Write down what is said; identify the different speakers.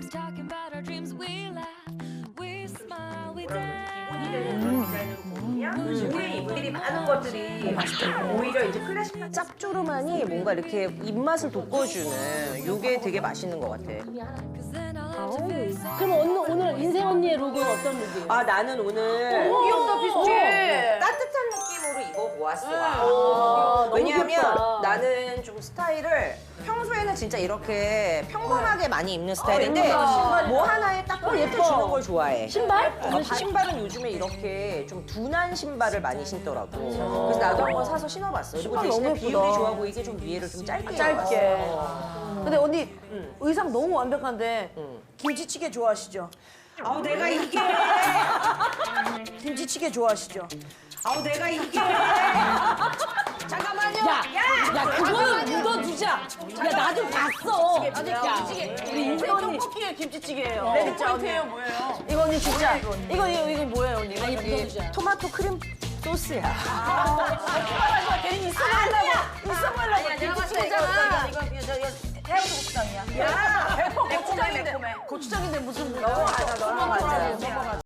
Speaker 1: talking about our dreams. We laugh, we smile, we dance.
Speaker 2: 오래 입들이 많은 것들이 오히려 이제 클래식한
Speaker 3: 짭조름하니 뭔가 이렇게 입맛을 돋궈주는 요게 되게 맛있는 것 같아.
Speaker 1: 'Cause then I'll have to face it.
Speaker 4: 그럼 오늘 인생 언니의 룩은 어떤 룩이에요?
Speaker 3: 아 나는 오늘
Speaker 2: 귀엽다 비슷해.
Speaker 3: 따뜻한 느낌으로 입어보았어.
Speaker 4: 너무
Speaker 3: 왜냐하면
Speaker 4: 귀엽다.
Speaker 3: 나는 좀 스타일을 평소에는 진짜 이렇게 평범하게 많이 입는 스타일인데
Speaker 2: 예쁘다.
Speaker 3: 뭐 하나에 딱 포인트
Speaker 4: 예뻐.
Speaker 3: 주는 걸 좋아해.
Speaker 4: 신발?
Speaker 3: 신발은 요즘에 이렇게 좀 둔한 신발을 많이 신더라고. 그래서 나도 한번 사서 신어봤어. 그리고 대신에
Speaker 2: 너무
Speaker 3: 비율이
Speaker 2: 예쁘다.
Speaker 3: 좋아 보이게 좀 위에를 좀 짧게
Speaker 2: 짧게.
Speaker 3: 입어봤어.
Speaker 2: 근데 언니 의상 너무 완벽한데
Speaker 3: 응.
Speaker 2: 김치찌개 좋아하시죠?
Speaker 3: 아우 내가 이게
Speaker 2: 김치찌개 좋아하시죠?
Speaker 3: 아우 내가 이게 잠깐만요.
Speaker 4: 야, 그거는 묻어두자. 야, 나도 봤어. 야, 우리 인생 언니.
Speaker 2: 떡볶이에 김치찌개예요.
Speaker 4: 어.
Speaker 2: 네, 진짜 언니예요, 뭐예요? 이거 언니 진짜 이거 뭐예요, 언니?
Speaker 4: 아니, 묻어두자.
Speaker 3: 토마토 크림 소스야.
Speaker 2: 괜히 있어 보이려고 김치찌개잖아. 이거 해양도 고추장이야. 야, 100% 고추장인데 무슨 뭐? 넘어가자.